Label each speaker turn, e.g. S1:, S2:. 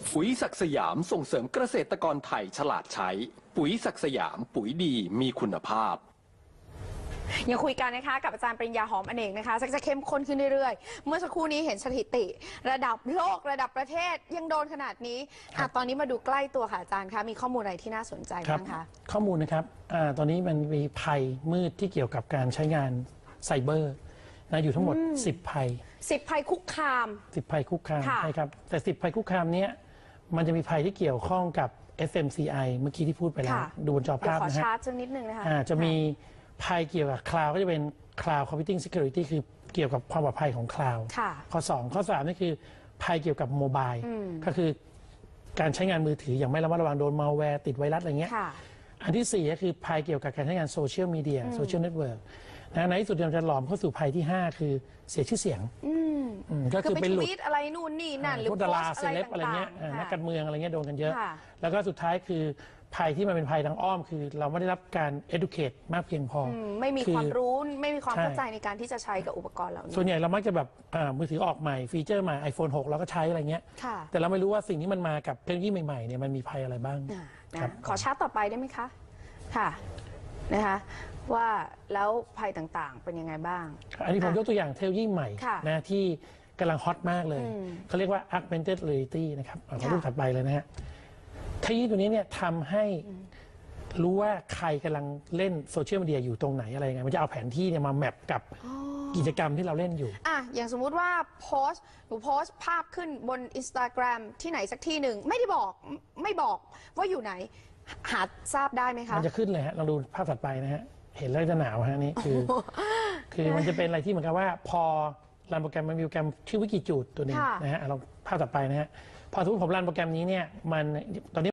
S1: ปุ๋ยศักดิ์สยามส่งเสริมเกษตรกรไทยฉลาดใช้ปุ๋ยศักดิ์สยามปุ๋ยดีมีคุณภาพ
S2: ยังคุยกันนะคะกับอาจารย์ปริญญาหอมอเนกนะคะจะเข้มข้นขึ้นเรื่อยๆเมื่อสักครู่นี้เห็นสถิติระดับโลกระดับประเทศยังโดนขนาดนี้ตอนนี้มาดูใกล้ตัวค่ะอาจารย์คะมีข้อมูลอะไรที่น่าสนใจบ้างคะ
S3: ข้อมูลนะครับตอนนี้มันมีภัยมืดที่เกี่ยวกับการใช้งานไซเบอร์นะอยู่ทั้งหมด10 ภัย
S2: 10 ภัยคุกคาม
S3: 10 ภัยคุกคามใช่ครับแต่10 ภัยคุกคามนี้มันจะมีภัยที่เกี่ยวข้องกับ FMCI เมื่อกี้ที่พูดไปแล้วดูบนจอภาพนะฮะขอ
S2: ชาร์จสักนิดนึงนะคะ
S3: จะมีภัยเกี่ยวกับคลาวด์ก็จะเป็น Cloud Computing Security คือเกี่ยวกับความปลอดภัยของคลาวด์ข้อ2ข้อ3นี่คือภัยเกี่ยวกับโมบายก็คือการใช้งานมือถืออย่างไม่ระมัดระวังโดนมัลแวร์ติดไวรัสอะไรเงี้ยอันที่4ก็คือภัยเกี่ยวกับการใช้งานโซเชียลมีเดียโซเชียลเน็ตเวิร์กในที่สุดเราจะหลอมเข้าสู่ภัยที่5คือเสียชื่อเสียง
S2: ก็คือเป็นทวีตอะไรนู่นนี่นั่นหรือ
S3: ดาราเซเลบอะไรเงี้ยนักการเมืองอะไรเงี้ยโดนกันเยอะแล้วก็สุดท้ายคือภัยที่มันเป็นภัยทางอ้อมคือเราไม่ได้รับการ educate มากเพียงพอ
S2: ไม่มีความรู้ไม่มีความเข้าใจในการที่จะใช้กับอุปกรณ์เหล่านี้
S3: ส่วนใหญ่เรามักจะแบบมือถือออกใหม่ฟีเจอร์ใหม่ iPhone 6เราก็ใช้อะไรเงี้ยแต่เราไม่รู้ว่าสิ่งที่มันมากับเทคโนโลยีใหม่ๆเนี่ยมันมีภัยอะไรบ้าง
S2: ขอชาร์ตต่อไปได้ไหมคะค่ะนะคะว่าแล้วภัยต่างๆเป็นยังไงบ้าง
S3: อันนี้ผมยกตัวอย่างเทคโนโลยีใหม่นะที่กำลังฮอตมากเลยเขาเรียกว่า augmented reality นะครับขอรูปถัดไปเลยนะฮะเทคโนโลยีตัวนี้เนี่ยทำให้รู้ว่าใครกำลังเล่นโซเชียลมีเดียอยู่ตรงไหนอะไรยังไงมันจะเอาแผนที่เนี่ยมาแมปกับกิจกรรมที่เราเล่นอยู่
S2: อย่างสมมุติว่าหนูโพสต์ภาพขึ้นบน Instagram ที่ไหนสักที่หนึ่งไม่บอกว่าอยู่ไหนหาทราบได้ไหมคะ
S3: มันจะขึ้นเลยฮะลองดูภาพถัดไปนะฮะเห็นแล้วจะหนาวฮะนี่คือมันจะเป็นอะไรที่เหมือนกับว่าพอรันโปรแกรมมันมีโปรแกรมชื่อวิกิจูดตัวนึงนะฮะเราภาพถัดไปนะฮะพอสมมติผมรันโปรแกรมนี้เนี่ยมันตอนนี้